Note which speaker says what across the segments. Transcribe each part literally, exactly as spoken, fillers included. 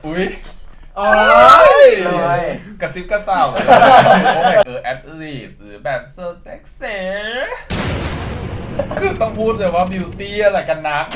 Speaker 1: อุ้ย
Speaker 2: โอ้ย
Speaker 1: เลยกระซิบกระเซาเลยโอ้ยเออแอดลีฟหรือแบบเซอร์เซ็กเซ่คือต้องพูดเลยว่าบิวตี้อะไรกันนัก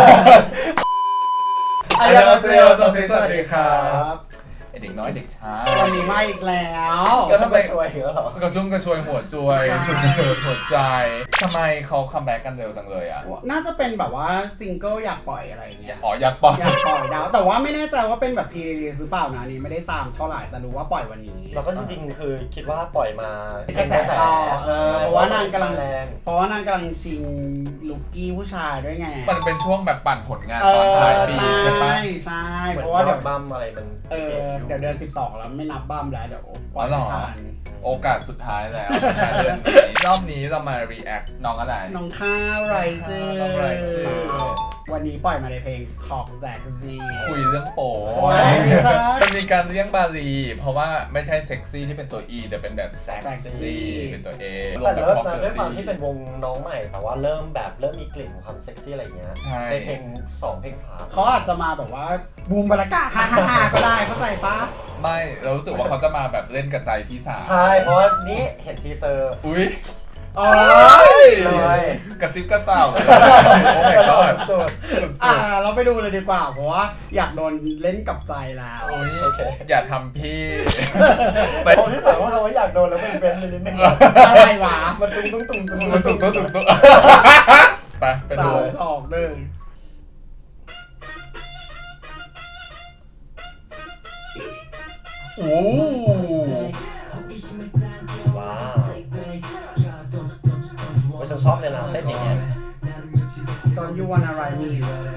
Speaker 2: อายาเซลจอซิสวัสดีครับ
Speaker 1: เด็กน้อยเด็กช้า
Speaker 2: วันนี้มาอีกแล้ว
Speaker 1: ก็ทำไม
Speaker 3: ช่วยเหรอก
Speaker 1: ระชุ่มกระชวยหัวจวยสุดๆหัวใจทำไมเขาคัมแบ็กกันเร็วจังเลยอ่ะ
Speaker 2: น่าจะเป็นแบบว่าซิงเกิลอยากปล่อยอะไรเงี้ย
Speaker 1: อ๋ออยากปล่อย
Speaker 2: อยากปล่อยดาวแต่ว่าไม่แน่ใจว่าเป็นแบบพรีรีลีสหรือเปล่านะนี่ไม่ได้ตามเท่าไหร่แต่รู้ว่าปล่อยวันนี้
Speaker 3: เราก็จริงๆคือคิดว่าปล่อยมาก
Speaker 2: ระแสต่อเออเพราะว่านางกำลังแรงเพราะว่านางกำลังชิงลุกกี้ผู้ชายด้วยไง
Speaker 1: มันเป็นช่วงแบบปั่นผลงานตอนปลายปีใช่ปะ
Speaker 2: ใช่
Speaker 3: เพราะว่าเดี๋ยวบัมอะไรมัน
Speaker 2: เออเดี๋ยวเดือนสิบสองแล้วไม่นับบัมแล้วเดี๋ยวปล่อยผ่าน
Speaker 1: โอกาสสุดท้ายแล้วเดือนนี้รอบนี้เรามา react น้องอะไร
Speaker 2: น้องท่าไรซ์วันนี้ปล่อยมาในเพลง Talk Zack Z
Speaker 1: คุยเรื่องโป๊มันมีการเรียกบาลีเพราะว่าไม่ใช่เซ็กซี่ที่เป็นตัว E แต่เป็นแบบแซ็กซี่เป็นตัว A
Speaker 3: แต่เริ่มมาด้วยความที่เป็นวงน้องใหม่แต่ว่าเริ่มแบบเริ่มมีกลิ่นของความเซ็กซี่อะไรเงี้ยในเพลงสองเพลงสาม
Speaker 2: เขาอาจจะมาแบบว่าบูมบรรยากาศฮ่าฮ่าก็ได้เข้าใจปะ
Speaker 1: ไม่เรารู้สึกว่าเขาจะมาแบบเล่นกับใจพี่สาว
Speaker 3: ใช่เพราะนี้เห็นทีเซอร์
Speaker 1: อุ้ย
Speaker 2: โอ้ย
Speaker 3: เลย
Speaker 1: กระซิบกระเซาโอ้ my god
Speaker 3: สุด
Speaker 2: อ่าเราไปดูเลยดีกว่าเพราะว่าอยากโดนเล่นกับใจแล้ว
Speaker 1: โอเคอย่าทำพี่
Speaker 3: ผมที่ถามว่าเขาอยากโดนแล้วเป็นเบนเลยนิดนึง
Speaker 2: อะไรวะ
Speaker 3: มันตุ้งตุ้งตุ้งตุ้ง
Speaker 1: มันตุ้งตุ้งตุ้งตุ้งไปไปดู
Speaker 2: สองหนึ่ง
Speaker 1: โอ้
Speaker 3: ว้าวว่าฉันชอบเลยนะเต้นอย่างเงี้ย
Speaker 2: ตอนยูวันอะไรมี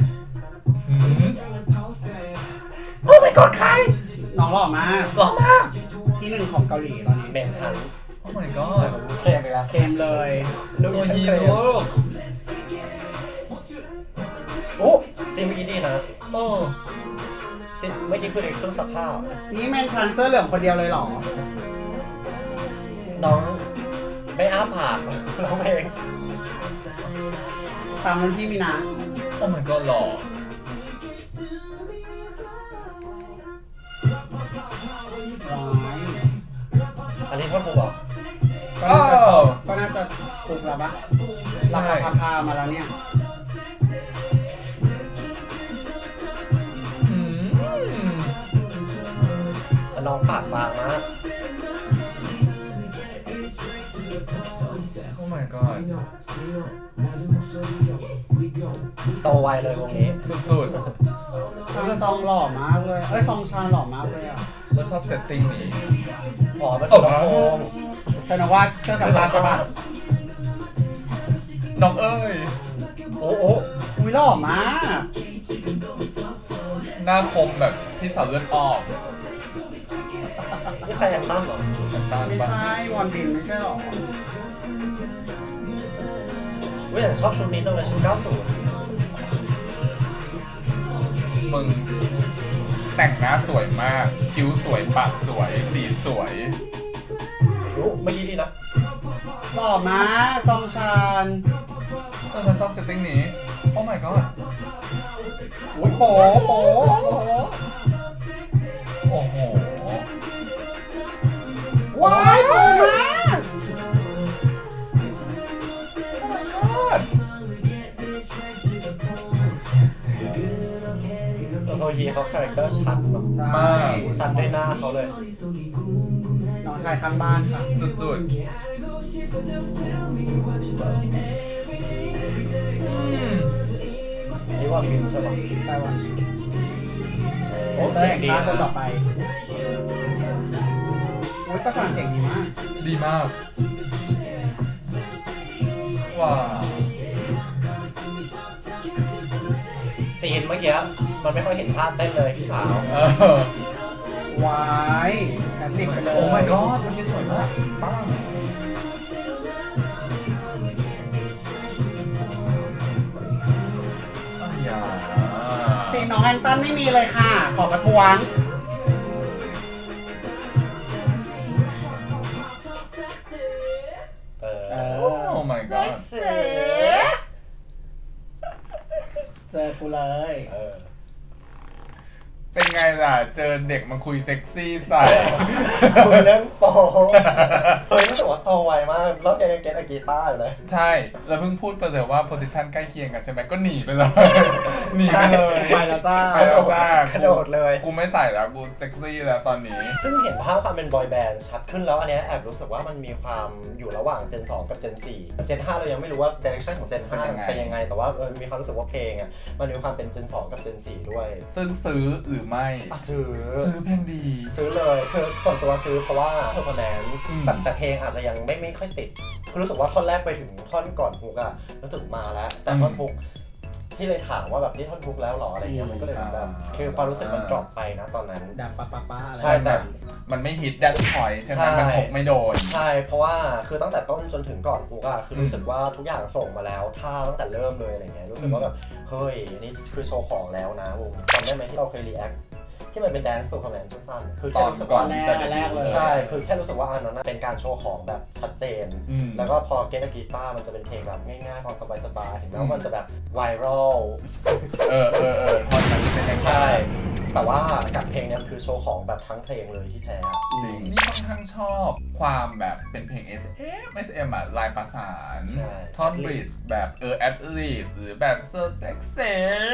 Speaker 1: โอ้ my god ใคร
Speaker 2: น้องหล่อมาก
Speaker 1: หล่อมาก
Speaker 2: ที่หนึ่งของเกาหลีตอนนี้
Speaker 3: เบนชัน
Speaker 1: โอ้ my god
Speaker 3: เคมไปแล้ว
Speaker 2: เคมเลย
Speaker 1: ตัวฮีโร่
Speaker 3: โอ้ซีนเมื่อกี้ดีนะโอ้ซีนเมื่อกี้คือในเครื่องซักผ้า
Speaker 2: นี่แมนชันเสื้อเหลืองคนเดียวเลยหรอ
Speaker 3: น้องไม่อ้าปากร้องเพลง
Speaker 2: ตามนั้นที่มีนะ
Speaker 1: โอ้ my god หล่อ
Speaker 3: อันนี้พ่อปูบอก
Speaker 2: ก็น่าจะถูกแล้วปะสับพาพามาแล้วเนี่ย
Speaker 3: น้องปากบางมาก
Speaker 1: โอ้ my god
Speaker 3: โตไวเลยวงนี้
Speaker 1: สุด
Speaker 2: ๆชางซองหล่อมากเลยเอ้ยซองชาหล่อมากเลยอ่ะ
Speaker 1: เราชอบเซตติ้งนี้
Speaker 3: อ๋อมันสุดโค้ง
Speaker 2: แต่นะว่าเครื่องสัมภาระสบาย
Speaker 1: น้องเอ้ย
Speaker 3: โอ้โอ้
Speaker 2: อุ้ยหล่อมาก
Speaker 1: หน้าคมแบบที่สาวเลือดออก
Speaker 3: นี่ใครแอนตั้มเหรอ
Speaker 2: ไม่ใช่วอนบินไม่ใช่หรอ
Speaker 3: เว้ยแต่ชอบชุดนี้จังเลยชุดเก้าสิบ
Speaker 1: มึงแต่งหน้าสวยมากคิ้วสวยปากสวยสีสวย
Speaker 3: รู้เมื่อกี้ดีนะ
Speaker 2: หล่อมากซองชาน
Speaker 1: เออฉันชอบเซตติ้งนี้โอ้ my god
Speaker 2: อุ้ยโป๊โป๊โป๊
Speaker 1: โอ้โห
Speaker 2: ว้ายโป๊มาก
Speaker 3: ตัวโซฮีเขาคาแรคเตอร์ชัด
Speaker 1: มาก
Speaker 3: ชัดด้วยหน้าเขาเลย
Speaker 2: น้องชายข้างบ้านค่ะ
Speaker 1: สุดๆ
Speaker 3: นี่ว่ามิวใช่ปะ
Speaker 2: ใช่วันเซนเตอร์แห่งชาติคนต่อไปโอ้ยประสานเสียงดีมาก
Speaker 1: ดีมากว้าว
Speaker 3: ซีนเมื่อกี้มันไม่ค่อยเห็นภาพเต้นเลยพี่สาว
Speaker 2: ว้ายแอบติดไปเลย
Speaker 1: โอ้ my god มันสวยมากป้า
Speaker 2: ซีนน้องแอนตันไม่มีเลยค่ะขอประท้วง
Speaker 3: เออ
Speaker 1: โอ้ my god
Speaker 2: เจอกูเลย
Speaker 1: เป็นไงล่ะเจอเด็กมาคุยเซ็กซี่ใส่
Speaker 3: คุยเรื่องโปเฮ้ยรู้สึกว่าโตไวมากแล้วแกยังเก็ตอากีต้าอยู่เลย
Speaker 1: ใช่แล้วเพิ่งพูดไปเลยว่าโพสิชันใกล้เคียงกันใช่ไหมก็หนีไปเลยหนีไปเลย
Speaker 2: ไปแล้วจ้า
Speaker 1: ไปแล้วจ้าก
Speaker 3: ระโดดเลย
Speaker 1: กูไม่ใส่แล้วกูเซ็กซี่แล้วตอนนี้
Speaker 3: ซึ่งเห็นภาพความเป็นบอยแบนด์ชัดขึ้นแล้วอันนี้แอบรู้สึกว่ามันมีความอยู่ระหว่างเจนสองกับเจนสี่เจนห้าเรายังไม่รู้ว่าดิเรกชันของเจนห้าเป็นยังไงแต่ว่าเออมีความรู้สึกว่าเพลงอ่ะมันมีความเป็นเจนสองกับเจนสี่ด้วย
Speaker 1: ซึ่งซื้อหรือไม่
Speaker 3: ซื้อ
Speaker 1: ซื้อเพลงดี
Speaker 3: ซื้อเลยคือส่วนตัวซื้อเพราะว่า performance แต่แต่เพลงอาจจะยังไม่ไม่ค่อยติดคือรู้สึกว่าท่อนแรกไปถึงท่อนก่อนฮุกอะรู้สึกมาแล้วแต่ท่อนฮุกที่เลยถามว่าแบบนี่ท่อนฮุกแล้วหรออะไรเงี้ยมันก็เลยแบบคือความรู้สึกมันดรอปไปนะตอนนั้น
Speaker 2: ดับปะปะปะ
Speaker 3: ใช่แต่
Speaker 1: มันไม่ฮิตแดนพอยใช่ไหมมันฉกไม่โดน
Speaker 3: ใช่เพราะว่าคือตั้งแต่ต้นจนถึงก่อนฮุกอะคือรู้สึกว่าทุกอย่างส่งมาแล้วท่าตั้งแต่เริ่มเลยอะไรเงี้ยรู้สึกว่าแบบเฮ้ยนี่คือโชว์ของแล้วนะวงจำได้ไหมที่เราเคยรีแอคที่มันเป็น dance performance สั้นๆคือแค่รู้สึกว่า
Speaker 2: แรกเลย
Speaker 3: ใช่คือแค่รู้สึกว่าอันนั้นเป็นการโชว์ของแบบชัดเจนแล้วก็พอเกตกีตาร์มันจะเป็นเพลงแบบง่ายๆพอสบายๆถึงแม้ว่ามันจะแบบไวรัล
Speaker 1: เออเออเออท่อนนั้นเป็น
Speaker 3: ใช่แต่ว่ากับเพลงนี้คือโชว์ของแบบทั้งเพลงเลยที่แท้
Speaker 1: จริงนี่ค่อนข้างชอบความแบบเป็นเพลง เอส เอ็ม เอส เอ็ม อ่ะลายประสานท่อนบริดจ์แบบเออแอดลิบหรือแบบเซอร์เซ็กเซ่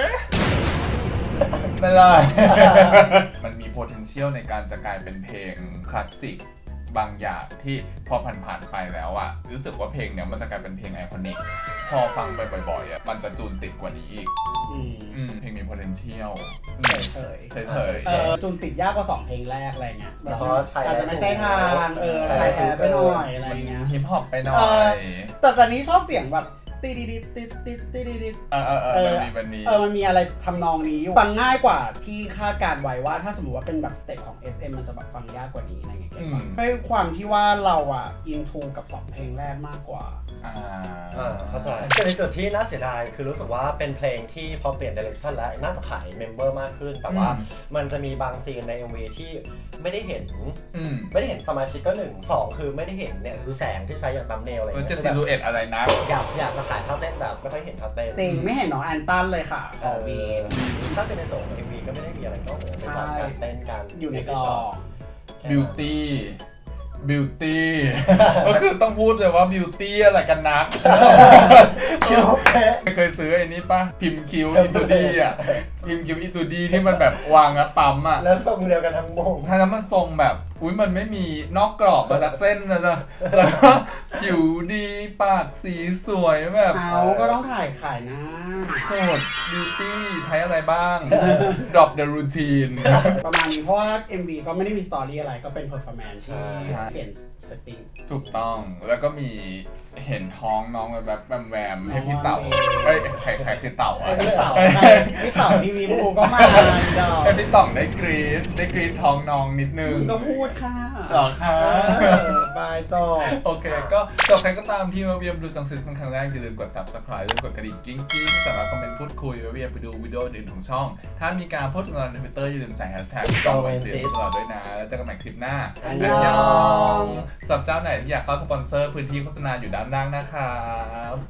Speaker 1: ไม่เลย มันมี potential ในการจะกลายเป็นเพลงคลาสสิกบางอย่างที่พอผ่านๆไปแล้วอะรู้สึกว่าเพลงเนี้ยมันจะกลายเป็นเพลงไอคอนิกพอฟังไปบ่อยๆอะมันจะจูนติดกว่านี้อีกอืมเพลงมี potential
Speaker 2: เฉยเฉย
Speaker 1: เฉยเฉย
Speaker 2: เออจูนติดยากกว่าสองเพลงแรกอะไรเงี้ยอาจจะไม่ใช่ทางเออใช่แท้ไปหน่อยอะไรเงี้ย
Speaker 1: ฮิปฮอปไปหน่อย
Speaker 2: แต่ตอนนี้ชอบเสียงแบบติดติดติดติดติดติด
Speaker 1: เออเออเออมันมีมันมี
Speaker 2: เออมันมีอะไรทำนองนี้อยู่ฟังง่ายกว่าที่คาดการไว้ว่าถ้าสมมติว่าเป็นแบบสเต็ปของ เอส เอ็ม มันจะแบบฟังยากกว่านี้อะไรเงี้ยด้วยความที่ว่าเราอ่ะอินทูกับสองเพลงแรกมากกว่า
Speaker 1: อ่า
Speaker 3: เข้าใจแต่ในจุดที่น่าเสียดายคือรู้สึกว่าเป็นเพลงที่พอเปลี่ยนดิเรกชันแล้วน่าจะขายเมมเบอร์มากขึ้นแต่ว่ามันจะมีบางซีนใน เอ็ม วี ที่ไม่ได้เห็นไม่ได้เห็นสมาชิกก็หนึ่งสองคือไม่ได้เห็นเนี่ยคือแสงที่ใช้อย่างตัมเนลอะไรเงี้ย
Speaker 1: จะซิลูเอตอะไรนะ
Speaker 3: อยากอยากจะขายท่าเต้นแบบไม่ค่อยเห็นท่าเต้น
Speaker 2: จริงไม่เห็นน้องแอนตันเลยค่ะขอวี
Speaker 3: ถ้าเป็นในส่วนของ เอ็ม วี ก็ไม่ได้มีอะไรนอกเหนือจากการเต้นการ
Speaker 2: อยู่ในกลอง
Speaker 1: บิวตี้บิวตี้ก็คือต้องพูดเลยว่าบิวตี้อะไรกันนัก
Speaker 3: คิว
Speaker 1: ไม่เคยซื้อไอ้นี้ป่ะพิมพ์คิวอิตูดี้อ่ะพิมพ์คิวอิตูดี้ที่มันแบบวางอะปั๊มอ่ะ
Speaker 3: แล้วทรงเดียวกันทั้งวง
Speaker 1: ใช่แล้วมันทรงแบบอุ้ยมันไม่มีนอกกรอบมาจากเส้นเลยนะแล้วก็ผิวดีปากสีสวยแบบ
Speaker 2: เอาก็ต้องถ่ายขายนะ
Speaker 1: โสดบิวตี้ใช้อะไรบ้าง drop the routine
Speaker 2: ประมาณนี้เพราะว่า เอ็ม วี ก็ไม่ได้มีสตอรี่อะไรก็เป็น performance ที่เปลี่ยนเซตติ้ง
Speaker 1: ถูกต้องแล้วก็มีเห็นท้องน้องแบบแวมแวมให้พี่เต่าเอ้ยใครใครคือเต่าอ่ะ
Speaker 2: พี่เต่าพี่เต่าทีวีบูก็มา
Speaker 1: ให้พี่ต่องได้กรี๊ดได้กรี๊ดท้องน้องนิดนึง
Speaker 2: ก็พูดค่ะ
Speaker 1: หรอคะ
Speaker 2: บายจอ
Speaker 1: โอเคก็จบใครก็ตามที่มาเวียมดูจังซิสเป็นครั้งแรกอย่าลืมกด ซับสไครบ์ และกดกระดิ่งกิ้งกิ้งสามารถคอมเมนต์พูดคุยมาเวียมไปดูวิดีโออื่นของช่องถ้ามีการโพสต์ลงใน Twitter อย่าลืมใส่แฮชแท็กจองไว้เสียตลอดด้วยนะแล้วเจอกันใหม่คลิปหน้า
Speaker 2: อันยอง
Speaker 1: สำหรับเจ้าไหนที่อยากเข้าสปอนเซอร์พื้นที่โฆษณาอยู่ด้านล่างนะครับ